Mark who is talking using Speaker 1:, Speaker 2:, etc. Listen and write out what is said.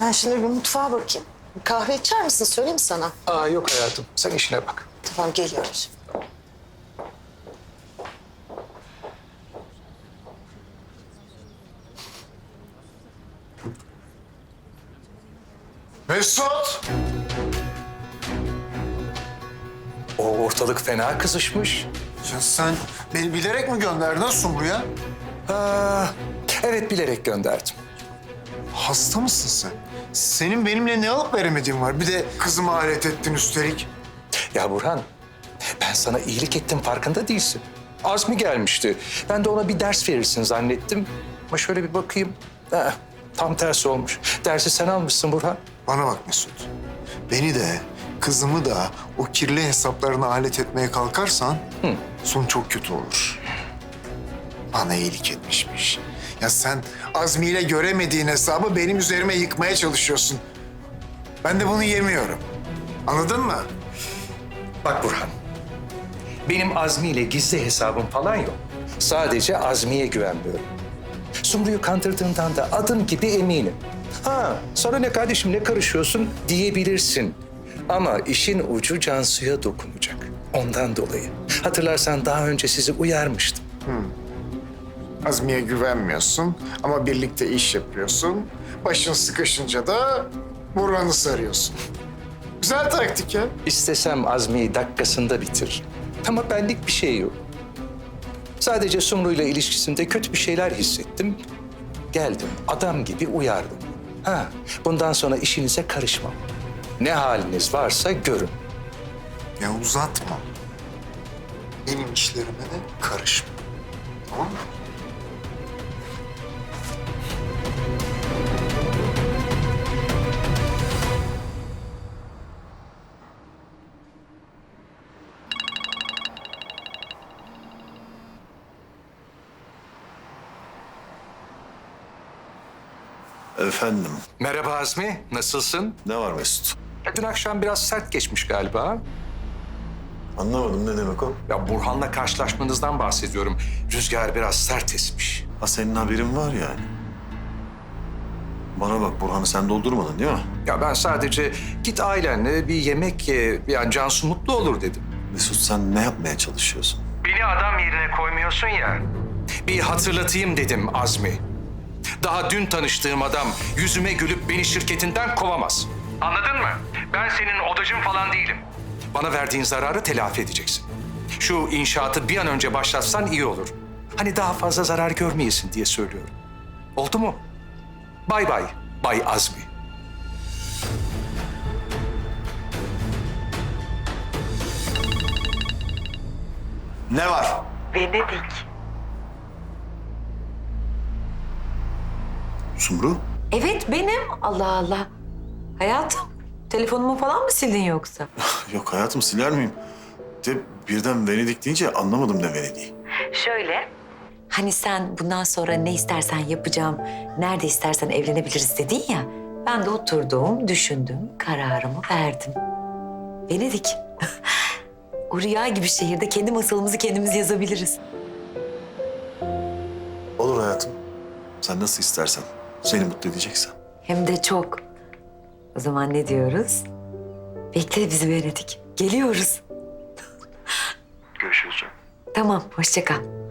Speaker 1: Ben şimdi bir mutfağa bakayım. Bir kahve içer misin? Söyleyeyim sana.
Speaker 2: Yok hayatım, sen işine bak.
Speaker 1: Tamam, geliyoruz.
Speaker 3: Mesut!
Speaker 2: O ortalık fena kızışmış.
Speaker 3: Ya sen beni bilerek mi gönderdin Sumru'ya?
Speaker 2: Evet, bilerek gönderdim.
Speaker 3: Hasta mısın sen? Senin benimle ne alıp veremediğin var. Bir de kızımı alet ettin üstelik.
Speaker 2: Ya Burhan, ben sana iyilik ettim, farkında değilsin. Azmi gelmişti. Ben de ona bir ders verirsin zannettim. Ama şöyle bir bakayım. Tam tersi olmuş. Dersi sen almışsın Burhan.
Speaker 3: Bana bak Mesut. Beni de kızımı da o kirli hesaplarına alet etmeye kalkarsan son çok kötü olur. Bana iyilik etmişmiş. Ya sen Azmi ile göremediğin hesabı benim üzerime yıkmaya çalışıyorsun. Ben de bunu yemiyorum. Anladın mı?
Speaker 2: Bak Burhan, benim Azmi ile gizli hesabım falan yok. Sadece Azmi'ye güvenmiyorum. Sumru'yu kandırdığından da adım gibi eminim. Sana ne kardeşim, ne karışıyorsun diyebilirsin. Ama işin ucu Cansu'ya dokunacak. Ondan dolayı. Hatırlarsan daha önce sizi uyarmıştım.
Speaker 3: Azmi'ye güvenmiyorsun ama birlikte iş yapıyorsun. Başın sıkışınca da Burhan'ı sarıyorsun. Güzel taktik ya.
Speaker 2: İstesem Azmi'yi dakikasında bitir. Ama benlik bir şey yok. Sadece Sumru'yla ilişkisinde kötü bir şeyler hissettim. Geldim, adam gibi uyardım. Bundan sonra işinize karışmam. Ne haliniz varsa görün.
Speaker 3: Ya uzatma. Benim işlerime de karışma. Tamam mı?
Speaker 4: Efendim,
Speaker 2: Merhaba Azmi, nasılsın?
Speaker 4: ne var Mesut?
Speaker 2: Dün akşam biraz sert geçmiş galiba.
Speaker 4: Anlamadım, ne demek o?
Speaker 2: Ya Burhan'la karşılaşmanızdan bahsediyorum. Rüzgar biraz sert esmiş.
Speaker 4: Ha, senin haberin var yani. Bana bak, Burhan'ı sen doldurmadın değil mi?
Speaker 2: Ya ben sadece git ailenle bir yemek ye, yani Cansu mutlu olur dedim.
Speaker 4: Mesut, sen ne yapmaya çalışıyorsun?
Speaker 2: Beni adam yerine koymuyorsun ya. Bir hatırlatayım dedim Azmi. Daha dün tanıştığım adam yüzüme gülüp beni şirketinden kovamaz. Anladın mı? Ben senin odacın falan değilim. Bana verdiğin zararı telafi edeceksin. Şu inşaatı bir an önce başlatsan iyi olur. Hani daha fazla zarar görmeyesin diye söylüyorum. Oldu mu? Bay bay, Bay Azmi.
Speaker 4: Ne var?
Speaker 5: Venedik.
Speaker 4: Sumru?
Speaker 5: Evet benim. Allah Allah. Hayatım, telefonumu falan mı sildin yoksa?
Speaker 4: Yok hayatım, siler miyim? De birden Venedik deyince anlamadım ne Venedik'i.
Speaker 5: Şöyle. Hani sen bundan sonra ne istersen yapacağım, nerede istersen evlenebiliriz dedin ya. Ben de oturdum, düşündüm, kararımı verdim. Venedik. O rüya gibi şehirde kendi masalımızı kendimiz yazabiliriz.
Speaker 4: Olur hayatım. Sen nasıl istersen. Seni mutlu edeceksen.
Speaker 5: Hem de çok. O zaman ne diyoruz? Bekle bizi Venedik. Geliyoruz.
Speaker 4: Görüşürüz canım.
Speaker 5: Tamam, hoşça kal.